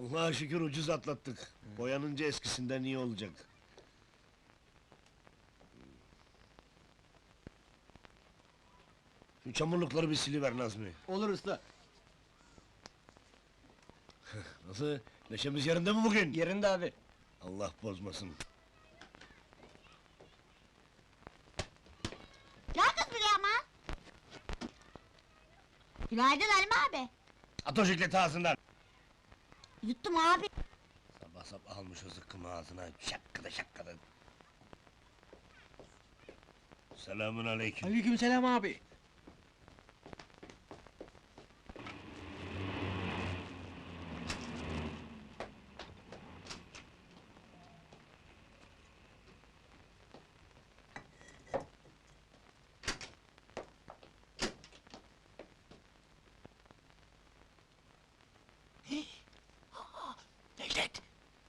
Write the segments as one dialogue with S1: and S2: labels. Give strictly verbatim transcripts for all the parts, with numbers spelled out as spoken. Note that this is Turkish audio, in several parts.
S1: Allah'a şükür ucuz atlattık. Boyanınca eskisinden iyi olacak. Şu çamurlukları bir siliver Nazmi.
S2: Olur usta.
S1: Nasıl? Neşemiz yerinde mi bugün?
S2: Yerinde abi.
S1: Allah bozmasın.
S3: Gel kız buraya ama! Günaydın Halim abi!
S1: At o jikleti ağzından!
S3: Yuttum abi!
S1: Sabah sabah almış o zıkkımı ağzına, şakkıda şakkıda! Selamun aleyküm!
S2: Aleykümselam abi.
S1: Necdet!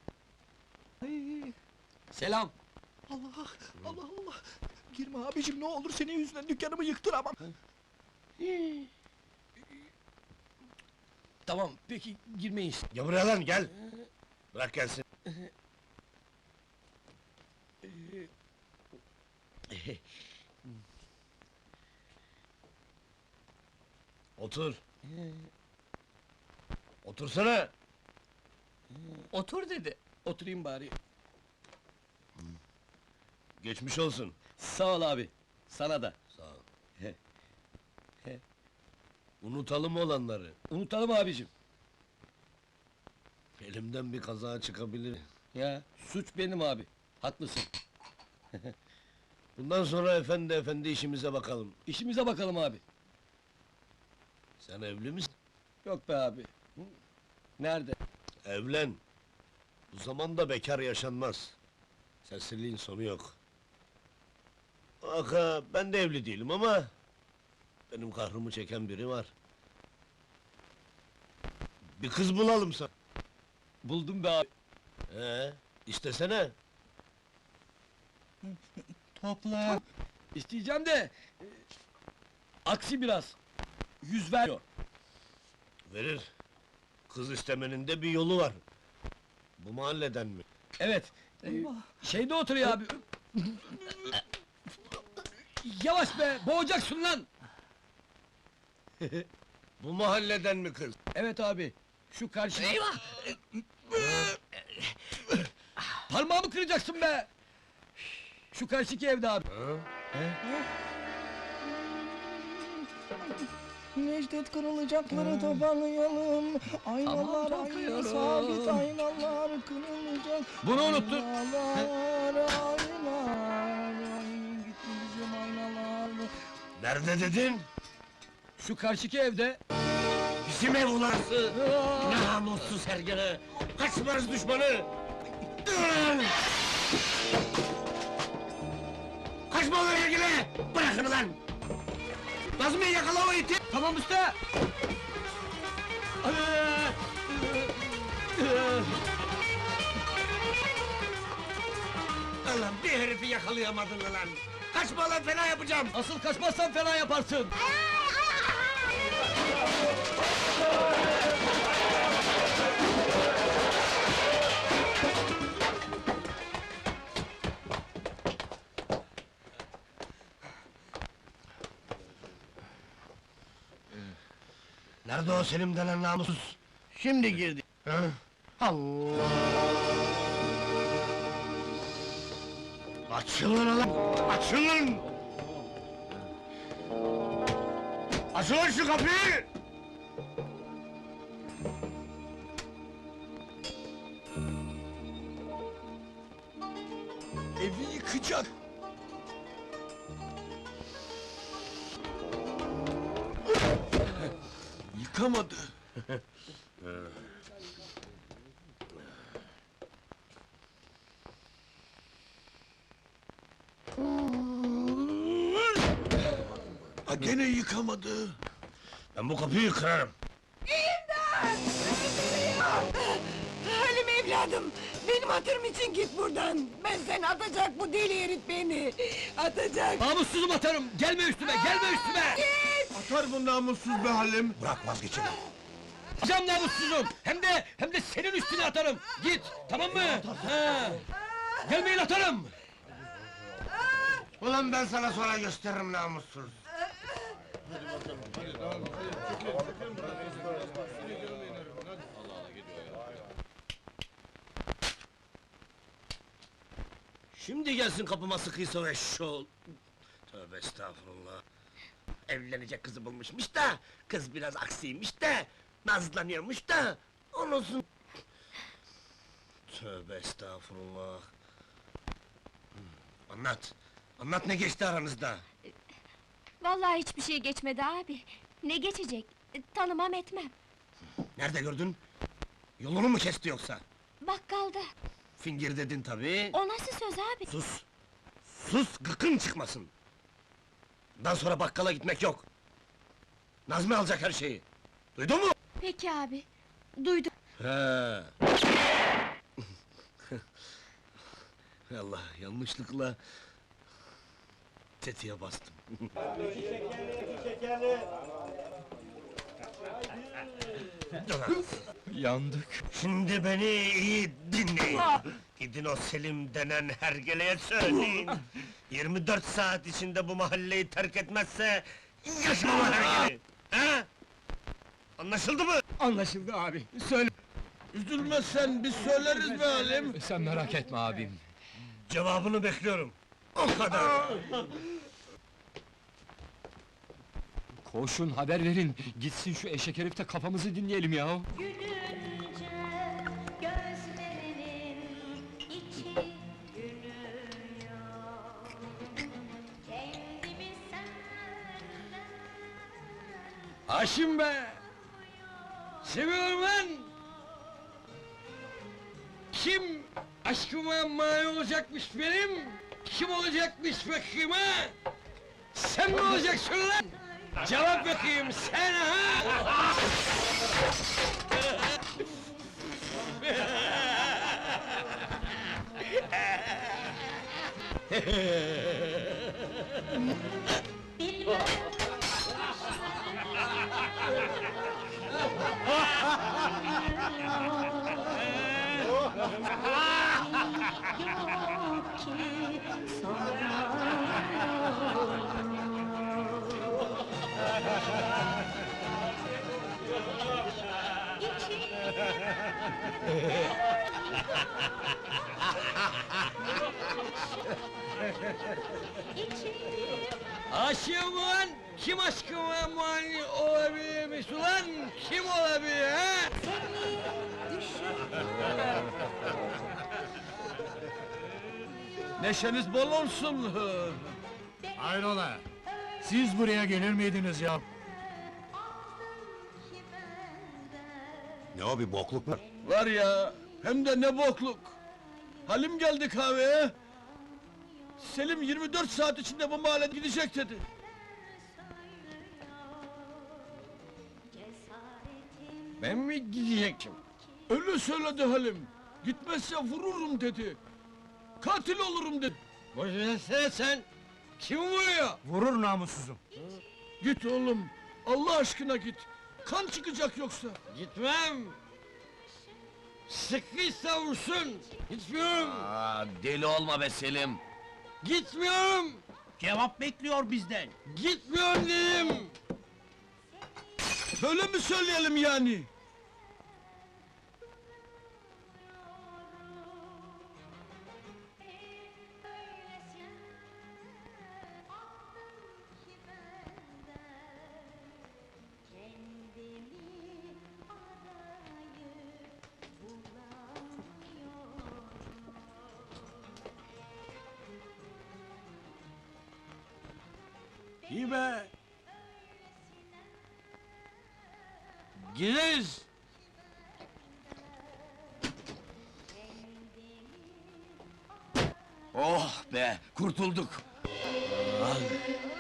S2: Selam.
S4: Allah, Allah Allah! Girme abicim, ne olur senin yüzünden dükkanımı yıktıramam!
S2: Tamam, peki girmeyiz.
S1: Gel buraya lan, gel! Bırak gelsin! Otur! Otursana!
S2: Otur dedi. Oturayım bari.
S1: Geçmiş olsun!
S2: Sağ ol abi. Sana da.
S1: Sağ ol! Unutalım olanları!
S2: Unutalım abicim.
S1: Elimden bir kaza çıkabilir.
S2: Ya, suç benim abi. Haklısın.
S1: Bundan sonra efendi efendi işimize bakalım.
S2: İşimize bakalım abi.
S1: Sen evli misin?
S2: Yok be abi. Nerede?
S1: Evlen! Bu zamanda bekar yaşanmaz. Serseriliğin sonu yok. Aka, ben de evli değilim ama... benim kahrımı çeken biri var. Bir kız bulalım sana.
S2: Buldum be abi.
S1: Ee, istesene.
S2: Topla. İsteyeceğim de... e, aksi biraz. Yüz ver.
S1: Verir. Kız istemenin de bir yolu var. Bu mahalleden mi?
S2: Evet. e, şeyde oturuyor abi. Yavaş be, boğacaksın lan!
S1: Bu mahalleden mi kız?
S2: Evet abi, şu karşı... Eyvah! Parmağımı kıracaksın be! Şu karşıki evde abi.
S4: Necdet kırılacakları toparlayalım! Aynalar,
S2: Tamam,
S4: ayna
S2: topluyorum.
S4: sabit aynalar kırılacak!
S2: Bunu unuttun.
S4: Aynalar, aynalar, ay, gitti bizim aynalar!
S1: Nerede dedin?
S2: Şu karşıki evde...
S1: Bizim ev ulansı! Namussuz hergele! Kaçmaz düşmanı! Kaçma ulan hergele! Bırakın ulan! Nazmi yakala o iti!
S2: Tamam usta!
S1: Ulan bir herifi yakalayamadın ulan! Kaçma lan, fena yapacağım!
S2: Asıl kaçmazsan fena yaparsın!
S1: Nerede o Selim denen namussuz?
S2: Şimdi girdi.
S1: Ha? Allah! Açılın ulan! Açılın! Açılın şu kapıyı!
S4: Evi yıkacak! Yıkamadı! Ha, gene yıkamadı!
S1: Ben bu kapıyı kırarım!
S5: Halim evladım, benim hatırım için git buradan! Ben seni atacak, bu deli herif beni! Atacak!
S2: Namussuzum atarım! Gelme üstüme, gelme üstüme!
S5: Git!
S1: Atar bu namussuz be Halim!
S4: Bırak vazgeçelim!
S2: Cam namussuzum! Hem de, hem de senin üstüne atarım! Git, tamam mı? Ha. Gelmeyin atarım!
S1: Ulan ben sana sonra gösteririm namussuz! Şimdi gelsin kapıma sıkıysa o eşşoğlu! Tövbe estağfurullah! Evlenecek kızı bulmuşmuş da, kız biraz aksiymiş de, nazlanıyormuş da, onunsun... Tövbe estağfurullah! Hmm, Anlat! Anlat ne geçti aranızda?
S6: Vallahi hiçbir şey geçmedi abi. Ne geçecek? E, Tanımam etmem.
S1: Nerede gördün? Yolunu mu kesti yoksa?
S6: Bakkalda.
S1: Fingir dedin tabii.
S6: O nasıl söz abi?
S1: Sus! Sus, gıkın çıkmasın! Bundan sonra bakkala gitmek yok! Nazmi alacak her şeyi! Duydun mu?
S6: Peki abi. Duydum.
S1: He. Allah, yanlışlıkla... tetiğe bastım.
S4: Yandık.
S1: Şimdi beni iyi dinleyin! Gidin o Selim denen hergeleye söyleyin! yirmi dört saat içinde bu mahalleyi terk etmezse... yaşamam hergele! He? Anlaşıldı mı?
S2: Anlaşıldı abi, söyle! Üzülmezsen biz söyleriz be Halim!
S4: Sen merak etme abim.
S1: Cevabını bekliyorum! O kadar!
S4: Koşun haber verin. Gitsin şu eşek herif de kafamızı dinleyelim ya.
S7: Gülünce gözlerinin içi gülüyor. Kendimi senden
S2: Haşim be! Seviyorum ben! Kim aşkıma mani olacakmış benim? Kim olacakmış bakayım ha? Sen mi olacaksın lan? Cevap bakayım sen ha!
S7: bilmem yok ki
S2: Aşığım ulan! Kim aşkıma mani olabilirmiş ulan? Kim olabilir ha? Neşeniz bol olsun!
S8: Hayrola? Siz buraya gelir miydiniz ya?
S1: Ne o, bir bokluk mu?
S2: Var ya, hem de ne bokluk! Halim geldi kahveye! Selim yirmi dört saat içinde bu mahalle gidecek dedi! Ben mi gidecektim? Öyle söyledi Halim! Gitmezse vururum dedi! Katil olurum dedi! Boşversene sen! Kim vuruyor?
S8: Vurur namussuzum.
S2: Git oğlum! Allah aşkına git! Kan çıkacak yoksa! Gitmem! Sıkıysa vursun! Gitmiyorum!
S9: Aa, deli olma be Selim!
S2: Gitmiyorum!
S8: Cevap bekliyor bizden.
S2: Gitmiyorum dedim! Öyle mi söyleyelim yani? İyi be! Gideriz!
S9: Oh be, kurtulduk!
S2: Al!